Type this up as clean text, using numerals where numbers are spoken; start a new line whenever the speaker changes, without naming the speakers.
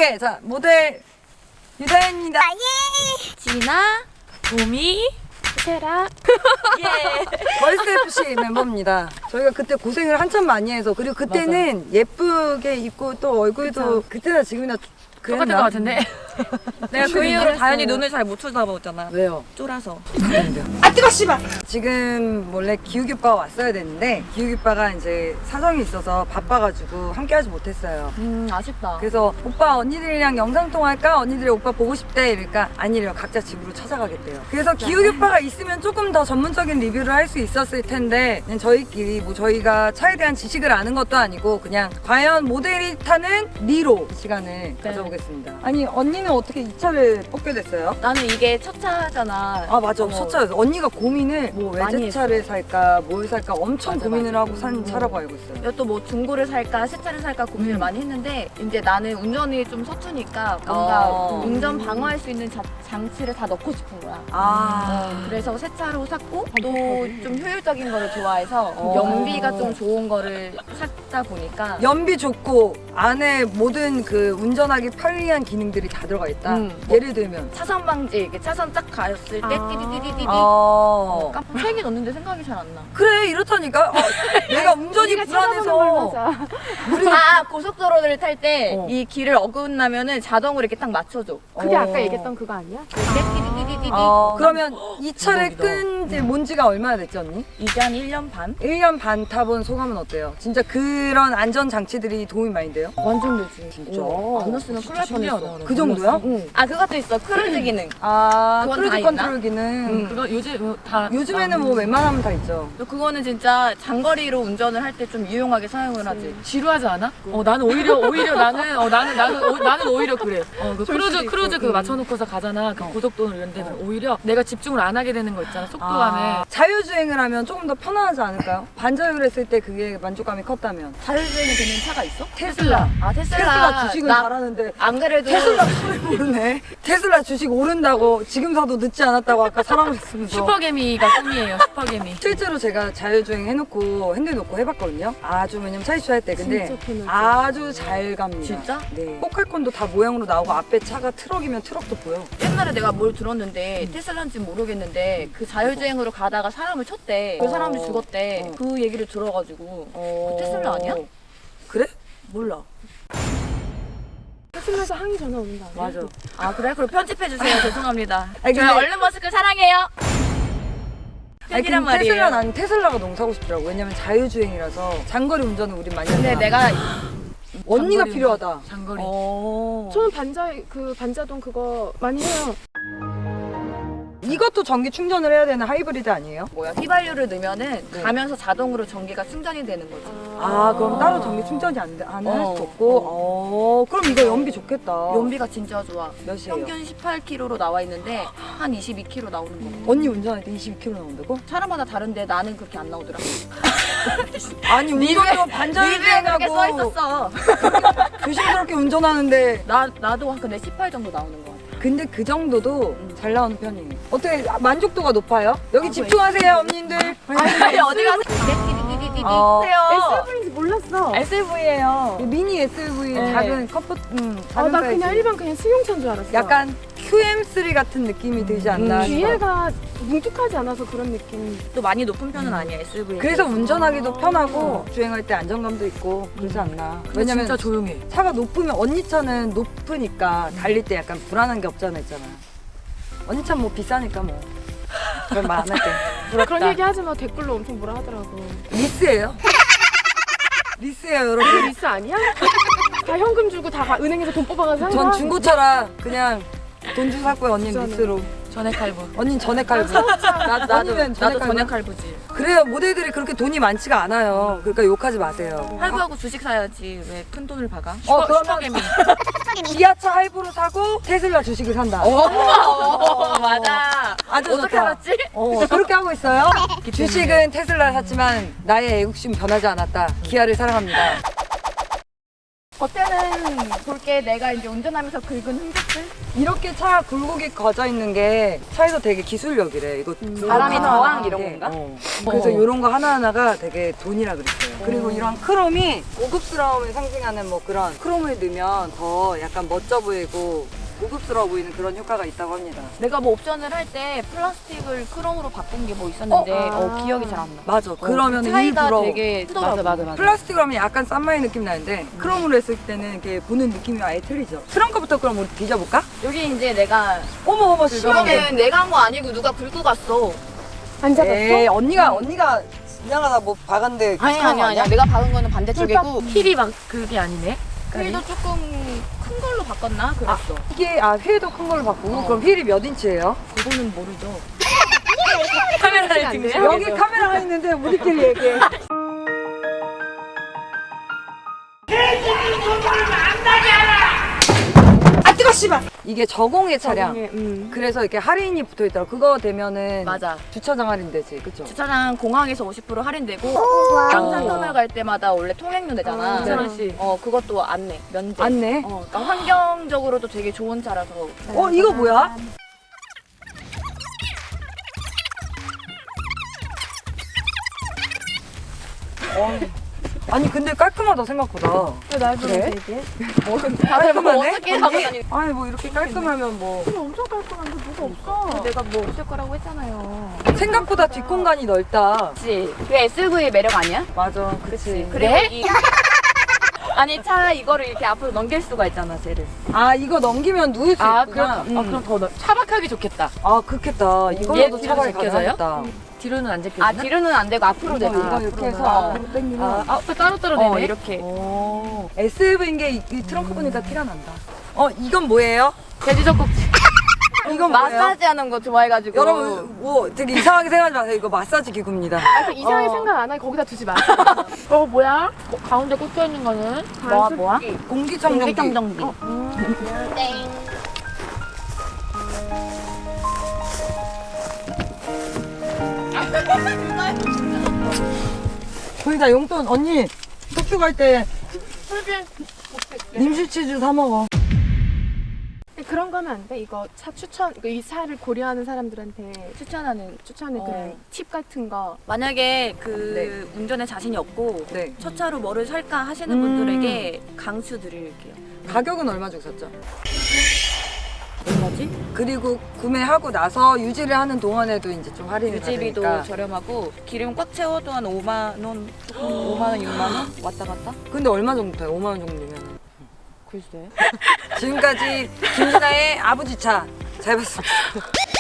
오케이, 자 모델 유다입니다.
진아, 도미, 세라. 예.
걸스 FC 멤버입니다. 저희가 그때 고생을 한참 많이 해서 그리고 그때는 예쁘게 입고 또 얼굴도 그때나 지금이나
똑같은 것 같은데. 내가 그 이후로
했어요.
다현이 눈을 잘 못 쳐다보잖아.
왜요?
쫄아서.
아 뜨거 씨발! 지금 원래 기욱이 오빠가 왔어야 됐는데 기욱이 오빠가 이제 사정이 있어서 바빠가지고 함께하지 못했어요.
아쉽다.
그래서 오빠 언니들이랑 영상통화할까? 언니들이 오빠 보고 싶대 이러니까 아니래요. 각자 집으로 찾아가겠대요. 그래서 기욱이 오빠가 있으면 조금 더 전문적인 리뷰를 할 수 있었을 텐데 그냥 저희끼리 뭐 저희가 차에 대한 지식을 아는 것도 아니고 그냥 과연 모델이 타는 리로 시간을 가져보겠습니다. 아니 언니는 어떻게 이 차를 뽑게 됐어요?
나는 이게 첫 차잖아.
아 맞아 첫 차였어. 언니가 고민을 뭐
많이
외제차를 살까 뭘 살까 엄청
맞아,
고민을
맞아.
하고 산 차라고 알고 있어요.
또 뭐 중고를 살까 새 차를 살까 고민을 많이 했는데 이제 나는 운전이 좀 서투니까 뭔가 운전 방어할 수 있는 장치를 다 넣고 싶은 거야. 그래서 새 차로 샀고 또 좀 효율적인 거를 좋아해서 연비가 좀 좋은 거를 찾다 보니까
연비 좋고 안에 모든 그 운전하기 편리한 기능들이 다 들어가 있다. 예를 들면
차선 방지 이렇게 차선 딱 갔을 때 띠디디디디디 깜빡 세개 넣는데 생각이 잘 안 나.
그래 이렇다니까. 내가 운전이 불안해서
고속도로를 탈 때 이 길을 어긋나면은 자동으로 이렇게 딱 맞춰줘.
그게 아까 얘기했던 그거 아니야?
띠디디디디디.
그러면 이 차를 끈 지 뭔지가 얼마나 됐지 언니?
이제 한 1년 반?
1년 반 타본 소감은 어때요? 진짜 그런 안전 장치들이 도움이 많이 돼요?
완전 되지.
진짜?
안 넣었으면 큰일 날 뻔했어.
그 정도야?
그것도 있어. 크루즈 기능.
그건
그건 다
크루즈
있나?
컨트롤 기능.
그거 요즘 다
요즘에는 뭐 웬만하면 다 있죠.
또 그거는 진짜 장거리로 운전을 할 때 좀 유용하게 사용을 하지.
지루하지 않아? 나는 오히려 나는 오히려 그래. 그 크루즈 그거 맞춰놓고서 가잖아. 그 고속도로 이런 데는 오히려 내가 집중을 안 하게 되는 거 있잖아. 속도감에.
자율주행을 하면 조금 더 편안하지 않을까요? 반자율 했을 때 그게 만족감이 컸다면.
자율주행이 되는 차가 있어?
테슬라. 테슬라 주식을
나
잘하는데
안 그래도
테슬라 소리 모르네. 테슬라 주식 오른다고 지금 사도 늦지 않았다고 아까 사람을 했으면서.
슈퍼개미가 꿈이에요. 슈퍼개미.
실제로 제가 자율주행 해놓고 핸들 놓고 해봤거든요. 아주 왜냐면 차 이슈할 때 근데
진짜 편하지.
아주 잘 갑니다.
진짜?
네. 포칼콘도 다 모양으로 나오고 앞에 차가 트럭이면 트럭도 보여.
옛날에 내가 뭘 들었는데 테슬라인지 모르겠는데 그 자율주행으로 가다가 사람을 쳤대. 그 사람이 죽었대. 그 얘기를 들어가지고 그 테슬라 아니야?
그래? 몰라.
테슬라에서 항의 전화 오는 거 아니야?
맞아.
그래? 그럼 편집해주세요. 죄송합니다.
아니,
저희
근데-
얼른 머스크 사랑해요.
아니,
팬이란
근데
말이에요.
테슬라 난 테슬라가 너무 사고 싶더라고. 왜냐면 자율주행이라서 장거리 운전을 우리 많이
근데
하잖아.
내가
언니가
장거리
필요하다.
장거리.
저는 반자동 그거 많이 해요.
이것도 전기 충전을 해야 되는 하이브리드 아니에요?
휘발유를 넣으면은 가면서 자동으로 전기가 충전이 되는 거지.
그럼 따로 전기 충전이 안 할 수 없고. 그럼 이거 연비 좋겠다.
연비가 진짜 좋아.
몇이에요?
평균 18km로 나와 있는데 한 22km 나오는 거.
언니 운전할 때 22km 나온다고?
사람마다 다른데 나는 그렇게 안 나오더라고.
아니 운전도
리뷰에 그렇게 써
반자율주행하고
있었어.
조심스럽게 운전하는데
나도 근데 18 정도 나오는 거 같아.
근데 그 정도도 잘 나오는 편이에요. 어떻게 만족도가 높아요? 여기 집중하세요 언니들.
아니 어디 가서 띠디디디디디 하세요.
SUV인지 몰랐어.
SUV예요.
미니 SUV
네.
작은 컴포 작은
나
사이즈.
그냥 일반 그냥 승용차인 줄 알았어.
약간 QM3 같은 느낌이 들지 않나 싶어요.
뒤에가 뭉툭하지 않아서 그런 느낌.
또 많이 높은 편은 아니야 SUV.
그래서 운전하기도 편하고 주행할 때 안정감도 있고 그러지 않나. 왜냐면
진짜 조용해.
차가 높으면 언니 차는 높으니까 달릴 때 약간 불안한 게 없잖아 있잖아. 언니 차는 뭐 비싸니까 뭐 그런 말 안 할게.
그런 얘기 하지 마. 댓글로 엄청 뭐라 하더라고.
리스예요? 리스예요 여러분.
리스 아니야? 다 현금 주고 다 은행에서 돈 뽑아가서 산
전
거야?
중고차라 그냥 돈 주고 샀고요. 언니는
저는.
리스로.
전액 할부.
언니는 전액 할부.
나도
언니는
전액
할부야?
할부지.
그래요. 모델들이 그렇게 돈이 많지가 않아요. 그러니까 욕하지 마세요.
할부하고 주식 사야지 왜 큰 돈을 박아?
그러면
슈퍼개미.
기아차 할부로 사고 테슬라 주식을 산다.
맞아.
아주
어떻게
좋다.
알았지?
그렇게 하고 있어요. 주식은 테슬라 샀지만 나의 애국심 변하지 않았다. 기아를 사랑합니다.
겉에는 볼게 내가 이제 운전하면서 긁은 흔적들.
이렇게 차 굴곡이 가져 있는 게 차에서 되게 기술력이래. 이거
바람이
하나
저항
하나
이런
게.
건가?
그래서 이런 거 하나하나가 되게 돈이라 그랬어요. 그리고 이런 크롬이 고급스러움을 상징하는 뭐 그런 크롬을 넣으면 더 약간 멋져 보이고 고급스러워 보이는 그런 효과가 있다고 합니다.
내가 뭐 옵션을 할 때 플라스틱을 크롬으로 바꾼 게 뭐 있었는데 기억이 잘 안 나.
맞아. 그러면
차이가
일부러
되게 크더라고.
맞아.
플라스틱으로 하면 약간 싼마이 느낌 나는데 크롬으로 했을 때는 이렇게 보는 느낌이 아예 틀리죠. 트렁크부터 그럼 우리 뒤져볼까?
여기 이제 내가
어머 심하게.
이거는 내가 한 거 아니고 누가 긁고 갔어.
안 잡았어?
에이 언니가 지나가다 뭐 박았는데
아니야. 내가 박은 거는 반대쪽이고
힐이 막 그게 아니네.
휠도 조금 큰 걸로 바꿨나? 그랬어.
이게 휠도 큰 걸로 바꾸고 그럼 휠이 몇 인치예요?
그거는 모르죠.
카메라를 등지고
여기 카메라가 있는데 우리끼리 얘기해. 아 뜨거 씨발. 이게 저공해 차량. 그래서 이렇게 할인이 붙어 있더라고. 그거 되면은
맞아.
주차장 할인되지, 그쵸?
주차장 공항에서 50% 할인되고 양산터널 갈 때마다 원래 통행료 내잖아.
2,000원씩.
그것도 안 내. 면제.
안내.
그러니까 환경적으로도 되게 좋은 차라서.
이거 뭐야? 아니 근데 깔끔하다 생각보다.
날
그래?
되게.
다들 뭐
깔끔하네?
어떻게 하고 다니?
아니 뭐 이렇게 깔끔하면 뭐
엄청 깔끔한데 뭐가 없어.
내가 뭐 없을 거라고 했잖아요.
생각보다 뒷공간이 넓다.
그치. 그게 SUV의 매력 아니야?
맞아, 그렇지.
그래? 아니 차 이거를 이렇게 앞으로 넘길 수가 있잖아, 쟤를.
아 이거 넘기면 누울 수 있구나.
그럼 더 차박하기 좋겠다.
아 그렇겠다. 이걸로도
얘 뒤로
차박이
제껴져요?
가능하겠다.
뒤로는 안 제껴지나?
아 뒤로는 안 되고 앞으로 되나?
이거 이렇게 해서 앞으로 당기면
또 따로따로 되네.
이렇게.
SUV인 게 이 트렁크 보니까 티가 난다. 이건 뭐예요?
돼지 젖꼭지.
이건 뭐예요?
마사지 하는 거 좋아해가지고.
여러분 뭐 되게 이상하게 생각하지 마세요. 이거 마사지 기구입니다.
그 이상하게 생각 안 하고 거기다 두지 마.
뭐야? 가운데 꽂혀 있는 거는?
뭐야?
공기청정기.
공기청정기.
거기다 용돈 언니 속주 갈 때 nim시치즈 사 먹어.
그런 거 하면 안 돼? 이거 차 추천, 이 차를 고려하는 사람들한테 추천하는 그런 팁 같은 거.
만약에 운전에 자신이 없고
네.
첫 차로 뭐를 살까 하시는 분들에게 강추 드릴게요.
가격은 얼마 주고 샀죠?
얼마지?
그리고 구매하고 나서 유지를 하는 동안에도 이제 좀 할인을
유지비도
받으니까.
저렴하고 기름 꽉 채워도 한 5만 원, 5만 원, 6만 원 왔다 갔다?
근데 얼마 정도 돼요? 5만 원 정도면.
글쎄.
지금까지 김진아의 아버지 차 잘 봤습니다.